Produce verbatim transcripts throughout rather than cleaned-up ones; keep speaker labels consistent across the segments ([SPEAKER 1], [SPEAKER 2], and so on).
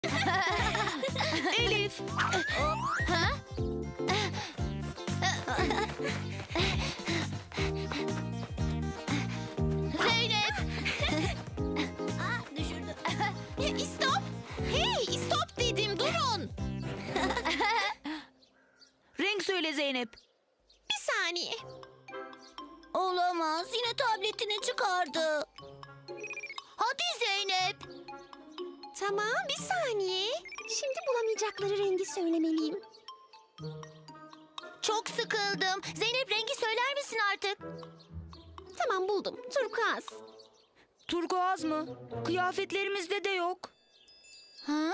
[SPEAKER 1] Elif.
[SPEAKER 2] Ha? Zeynep. Aa, düşürdüm.
[SPEAKER 1] Stop. Hey, stop dedim. Durun. Renk söyle Zeynep. Bir saniye.
[SPEAKER 2] Olamaz. Yine tabletini çıkardı. Hadi Zeynep.
[SPEAKER 1] Tamam, bir saniye. Şimdi bulamayacakları rengi söylemeliyim.
[SPEAKER 2] Çok sıkıldım. Zeynep rengi söyler misin artık?
[SPEAKER 1] Tamam, buldum. Turkuaz.
[SPEAKER 3] Turkuaz mı? Kıyafetlerimizde de yok.
[SPEAKER 2] Ha?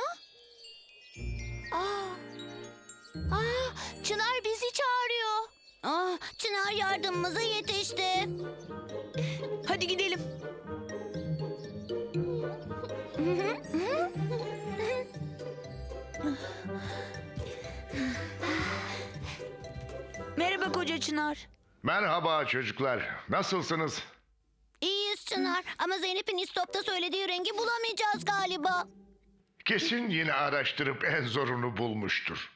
[SPEAKER 2] Aa. Aa, Çınar bizi çağırıyor. Ah, Çınar yardımımıza yetişti.
[SPEAKER 3] Hadi gidelim. Merhaba koca Çınar.
[SPEAKER 4] Merhaba çocuklar. Nasılsınız?
[SPEAKER 2] İyiyiz Çınar ama Zeynep'in istopta söylediği rengi bulamayacağız galiba.
[SPEAKER 4] Kesin yine araştırıp en zorunu bulmuştur.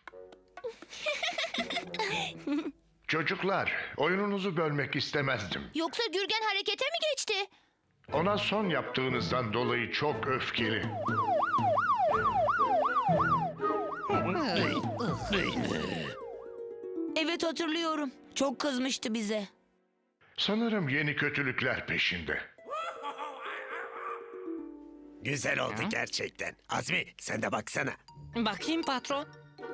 [SPEAKER 4] Çocuklar, oyununuzu bölmek istemezdim.
[SPEAKER 2] Yoksa Gürgen harekete mi geçti?
[SPEAKER 4] Ona son yaptığınızdan dolayı çok öfkeli.
[SPEAKER 3] Evet hatırlıyorum. Çok kızmıştı bize.
[SPEAKER 4] Sanırım yeni kötülükler peşinde.
[SPEAKER 5] Güzel oldu gerçekten. Azmi sen de baksana.
[SPEAKER 6] Bakayım patron.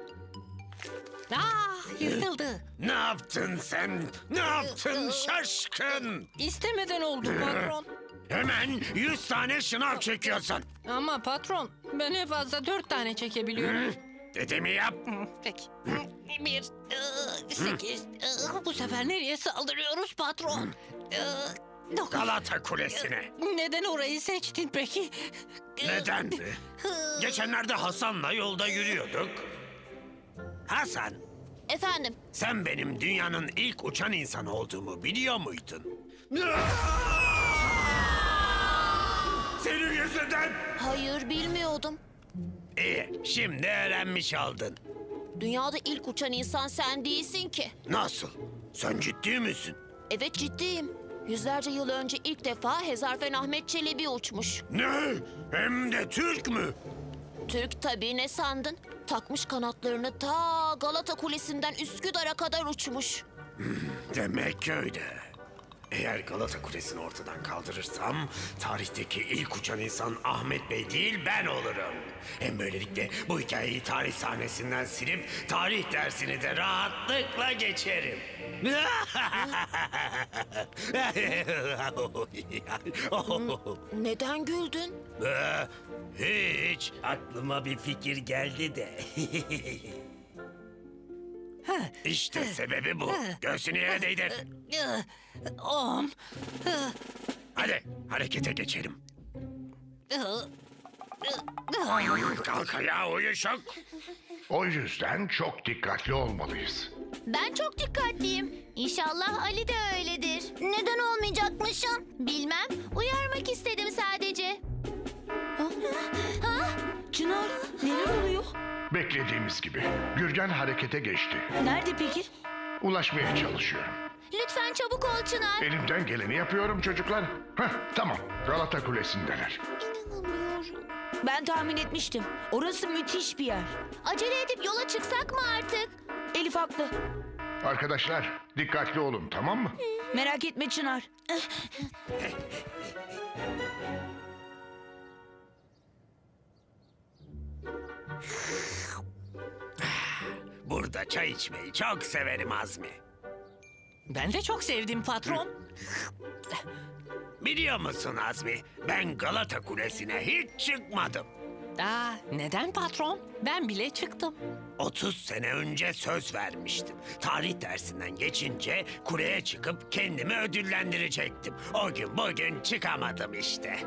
[SPEAKER 6] Ah, yırtıldı.
[SPEAKER 5] Ne yaptın sen? Ne yaptın şaşkın?
[SPEAKER 6] İstemeden oldu patron.
[SPEAKER 5] Hemen yüz tane şınav çekiyorsun.
[SPEAKER 6] Ama patron, ben en fazla dört tane çekebiliyorum.
[SPEAKER 5] Dediğimi yap.
[SPEAKER 6] Peki. Bir, ıı, sekiz. ıı, Bu sefer nereye saldırıyoruz patron? Iı, Dokuz.
[SPEAKER 5] Galata Kulesi'ne.
[SPEAKER 6] Neden orayı seçtin peki?
[SPEAKER 5] Neden mi? Geçenlerde Hasan'la yolda yürüyorduk. Hasan,
[SPEAKER 2] Efendim?
[SPEAKER 5] sen benim dünyanın ilk uçan insanı olduğumu biliyor muydun? Senin yüzünden.
[SPEAKER 2] Hayır bilmiyordum.
[SPEAKER 5] İyi, şimdi öğrenmiş oldun.
[SPEAKER 2] Dünyada ilk uçan insan sen değilsin ki.
[SPEAKER 5] Nasıl? Sen ciddi misin?
[SPEAKER 2] Evet ciddiyim. Yüzlerce yıl önce ilk defa Hezarfen Ahmet Çelebi uçmuş.
[SPEAKER 5] Ne? Hem de Türk mü?
[SPEAKER 2] Türk tabii ne sandın? Takmış kanatlarını ta Galata Kulesi'nden Üsküdar'a kadar uçmuş.
[SPEAKER 5] Demek öyle. Eğer Galata Kulesi'ni ortadan kaldırırsam tarihteki ilk uçan insan Ahmet Bey değil ben olurum. Hem böylelikle bu hikayeyi tarih sahnesinden silip tarih dersini de rahatlıkla geçerim.
[SPEAKER 2] Neden güldün?
[SPEAKER 5] Hiç. Aklıma bir fikir geldi de. İşte sebebi bu. Göğsünü yere değdir.
[SPEAKER 6] Iı, Om. Iı,
[SPEAKER 5] Hadi harekete geçelim.
[SPEAKER 6] ıı,
[SPEAKER 5] Kalk ayağa uyuşuk.
[SPEAKER 4] O yüzden çok dikkatli olmalıyız.
[SPEAKER 2] Ben çok dikkatliyim. İnşallah Ali de öyledir. Neden olmayacakmışım? Bilmem. Uyarmak istedim sadece. Ha?
[SPEAKER 3] Çınar neler oluyor?
[SPEAKER 4] Beklediğimiz gibi. Gürgen harekete geçti.
[SPEAKER 3] Nerede peki?
[SPEAKER 4] Ulaşmaya çalışıyorum.
[SPEAKER 2] Lütfen çabuk ol Çınar.
[SPEAKER 4] Elimden geleni yapıyorum çocuklar. Heh, tamam. Galata Kulesi'ndeler.
[SPEAKER 2] İnanamıyorum.
[SPEAKER 3] Ben tahmin etmiştim. Orası müthiş bir yer.
[SPEAKER 2] Acele edip yola çıksak mı artık?
[SPEAKER 3] Elif haklı.
[SPEAKER 4] Arkadaşlar dikkatli olun, tamam mı?
[SPEAKER 3] Merak etme Çınar.
[SPEAKER 5] Burada çay içmeyi çok severim Azmi.
[SPEAKER 6] Ben de çok sevdim patron.
[SPEAKER 5] Biliyor musun Azmi? Ben Galata Kulesi'ne hiç çıkmadım.
[SPEAKER 6] Aa, neden patron? Ben bile çıktım.
[SPEAKER 5] otuz sene önce söz vermiştim. Tarih dersinden geçince kuleye çıkıp kendimi ödüllendirecektim. O gün bugün çıkamadım işte.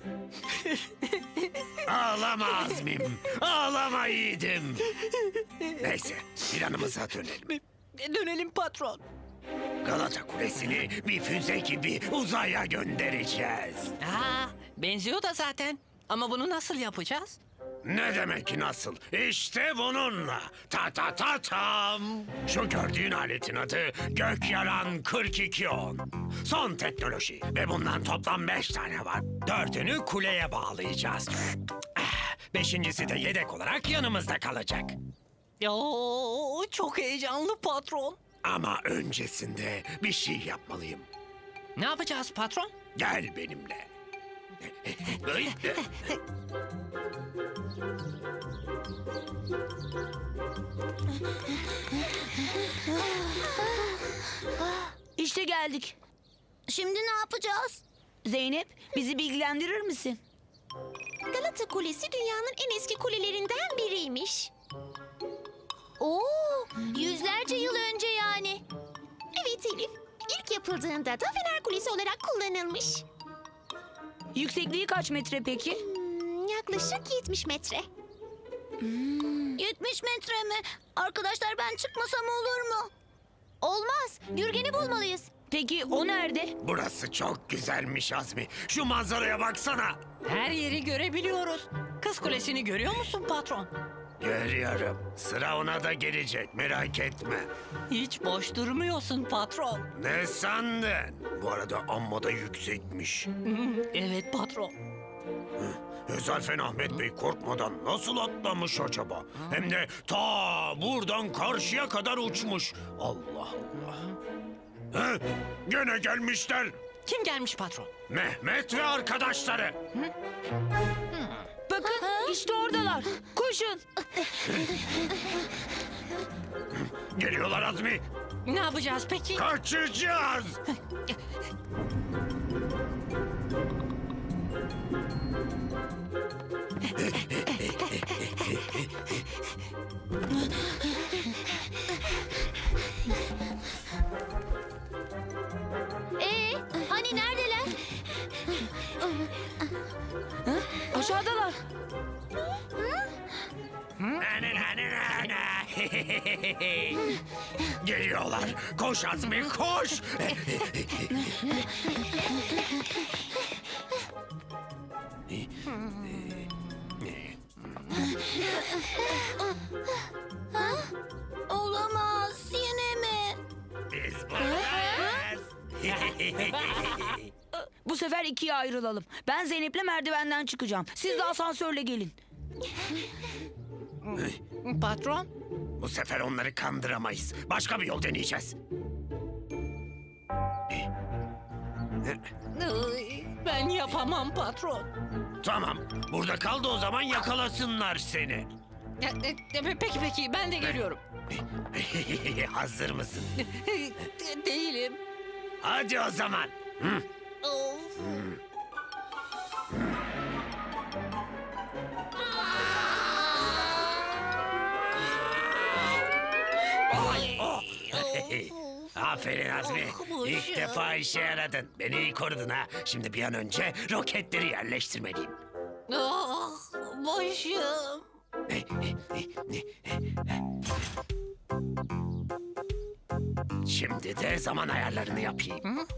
[SPEAKER 5] Ağlama Azmim, ağlama yiğidim. Neyse, planımıza dönelim.
[SPEAKER 6] Dönelim patron.
[SPEAKER 5] Galata Kulesi'ni bir füze gibi uzaya göndereceğiz.
[SPEAKER 6] Aa, benziyor da zaten. Ama bunu nasıl yapacağız?
[SPEAKER 5] Ne demek nasıl? İşte bununla. Ta ta ta tam. Şu gördüğün aletin adı Gökyalan kırk iki on. Son teknoloji ve bundan toplam beş tane var. Dördünü kuleye bağlayacağız. Ah, Beşincisi de yedek olarak yanımızda kalacak.
[SPEAKER 6] Oo, çok heyecanlı patron.
[SPEAKER 5] Ama öncesinde bir şey yapmalıyım.
[SPEAKER 6] Ne yapacağız patron?
[SPEAKER 5] Gel benimle. Ay,
[SPEAKER 3] İşte geldik.
[SPEAKER 2] Şimdi ne yapacağız?
[SPEAKER 3] Zeynep, bizi bilgilendirir misin?
[SPEAKER 1] Galata Kulesi dünyanın en eski kulelerinden biriymiş.
[SPEAKER 2] Oo, yüzlerce yıl önce yani.
[SPEAKER 1] Evet Elif. İlk yapıldığında da Fener Kulesi olarak kullanılmış.
[SPEAKER 3] Yüksekliği kaç metre peki?
[SPEAKER 1] Hmm, yaklaşık yetmiş metre.
[SPEAKER 2] yetmiş metre mi? Arkadaşlar ben çıkmasam olur mu? Olmaz. Gürgen'i bulmalıyız.
[SPEAKER 3] Peki o nerede?
[SPEAKER 5] Burası çok güzelmiş Azmi. Şu manzaraya baksana.
[SPEAKER 6] Her yeri görebiliyoruz. Kız Kulesi'ni görüyor musun patron?
[SPEAKER 5] Görüyorum. Sıra ona da gelecek, merak etme.
[SPEAKER 6] Hiç boş durmuyorsun patron.
[SPEAKER 5] Ne sandın? Bu arada amma da yüksekmiş.
[SPEAKER 6] Evet patron.
[SPEAKER 5] Hezarfen Ahmet Bey korkmadan nasıl atlamış acaba? Hem de ta buradan karşıya kadar uçmuş. Allah Allah. He? Gene gelmişler.
[SPEAKER 6] Kim gelmiş patron?
[SPEAKER 5] Mehmet ve arkadaşları.
[SPEAKER 3] Bakın, işte oradalar. Koşun.
[SPEAKER 5] Geliyorlar Azmi.
[SPEAKER 6] Ne yapacağız peki?
[SPEAKER 5] Kaçacağız.
[SPEAKER 2] Ee, hani neredeler?
[SPEAKER 3] Aşağıdalar.
[SPEAKER 5] Geliyorlar. Koş Azmi koş.
[SPEAKER 2] Olamaz. Yine mi?
[SPEAKER 5] Biz buradayız.
[SPEAKER 3] Bu sefer ikiye ayrılalım. Ben Zeynep'le merdivenden çıkacağım. Siz de asansörle gelin.
[SPEAKER 6] Patron?
[SPEAKER 5] Bu sefer onları kandıramayız. Başka bir yol deneyeceğiz.
[SPEAKER 6] Iy, Ben yapamam patron.
[SPEAKER 5] Tamam. Burada kal da o zaman yakalasınlar seni.
[SPEAKER 6] E, e, e, Peki peki ben de geliyorum.
[SPEAKER 5] Hazır mısın?
[SPEAKER 6] De- Değilim.
[SPEAKER 5] Hadi o zaman. Hı.
[SPEAKER 6] Of.
[SPEAKER 5] Oh. Aferin Azmi.
[SPEAKER 6] Oh,
[SPEAKER 5] İlk
[SPEAKER 6] başım.
[SPEAKER 5] defa işe yaradın. Beni iyi korudun ha. Şimdi bir an önce roketleri yerleştirmeliyim.
[SPEAKER 6] Ah, başım.
[SPEAKER 5] Şimdi de zaman ayarlarını yapayım.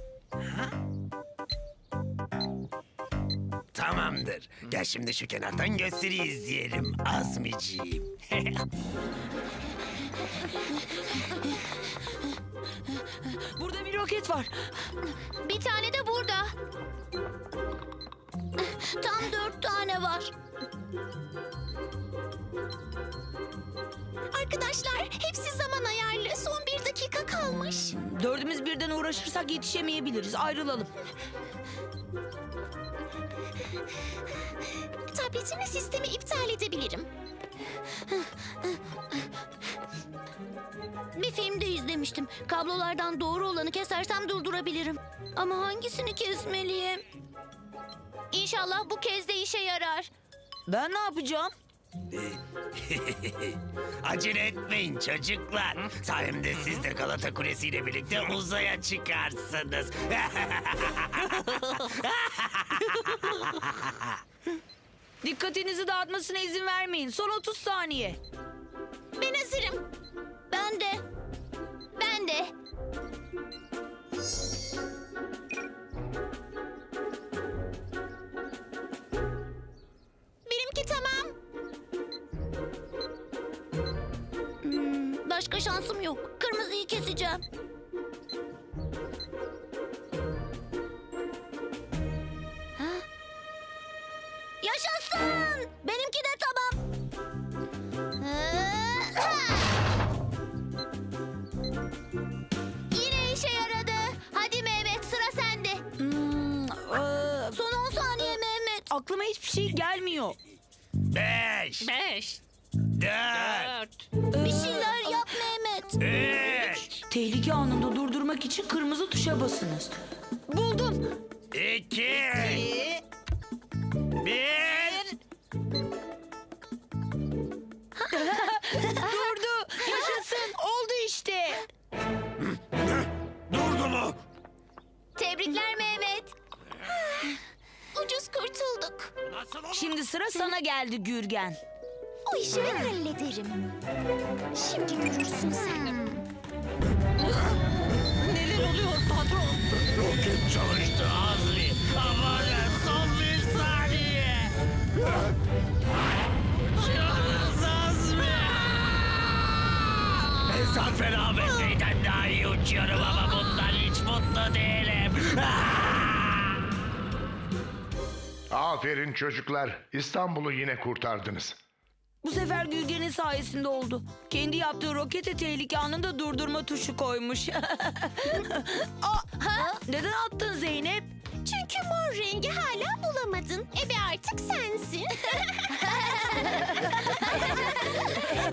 [SPEAKER 5] Tamamdır. Gel şimdi şu kenardan gösteri izleyelim Azmiciğim.
[SPEAKER 3] Burada bir roket var.
[SPEAKER 2] Bir tane de burada. Tam dört tane var.
[SPEAKER 1] Arkadaşlar hepsi zaman ayarlı. Son bir dakika kalmış.
[SPEAKER 3] Dördümüz birden uğraşırsak yetişemeyebiliriz. Ayrılalım.
[SPEAKER 1] Tabletimi sistemi iptal edebilirim.
[SPEAKER 2] Bir filmde izlemiştim. Kablolardan doğru olanı kesersem durdurabilirim. Ama hangisini kesmeliyim? İnşallah bu kez de işe yarar.
[SPEAKER 3] Ben ne yapacağım?
[SPEAKER 5] Acele etmeyin çocuklar. Sayemde siz de Galata Kulesi ile birlikte uzaya çıkarsınız.
[SPEAKER 3] Dikkatinizi dağıtmasına izin vermeyin. Son otuz saniye.
[SPEAKER 1] Ben hazırım.
[SPEAKER 2] Ben de. Ben de.
[SPEAKER 1] Benimki tamam.
[SPEAKER 2] Başka şansım yok. Kırmızıyı keseceğim. Ha? Yaşasın! Benimki de tamam.
[SPEAKER 1] Yine işe yaradı. Hadi Mehmet, sıra sende.
[SPEAKER 3] Hmm, ee,
[SPEAKER 2] Son on saniye Mehmet.
[SPEAKER 3] aklıma hiçbir şey gelmiyor.
[SPEAKER 5] Beş,
[SPEAKER 6] Beş,
[SPEAKER 5] dört,
[SPEAKER 6] dört,
[SPEAKER 2] Bir şeyler yap Mehmet.
[SPEAKER 5] üç,
[SPEAKER 3] Tehlike anında durdurmak için kırmızı tuşa basınız. Buldum.
[SPEAKER 5] iki,
[SPEAKER 6] iki,
[SPEAKER 5] bir.
[SPEAKER 3] Durdu. Yaşasın. Oldu işte.
[SPEAKER 5] Durdu mu?
[SPEAKER 1] Tebrikler Mehmet. Ucuz kurtulduk.
[SPEAKER 5] Nasıl olur?
[SPEAKER 3] Şimdi sıra sana geldi Gürgen.
[SPEAKER 1] O işi ben hallederim. Şimdi görürsün sen.
[SPEAKER 6] neler oluyor patron?
[SPEAKER 5] Roket çalıştı Azmi. Aman son bir saniye. Uçuyoruz Azmi. Mesafe Ahmet Bey'den daha iyi uçuyorum ama bundan hiç mutlu değilim.
[SPEAKER 4] Aferin çocuklar. İstanbul'u yine kurtardınız.
[SPEAKER 3] Bu sefer Gürgen'in sayesinde oldu. Kendi yaptığı rokete tehlike anında durdurma tuşu koymuş. Aa, ha? Neden attın Zeynep?
[SPEAKER 1] Çünkü mor rengi hala bulamadın. Ebe artık sensin.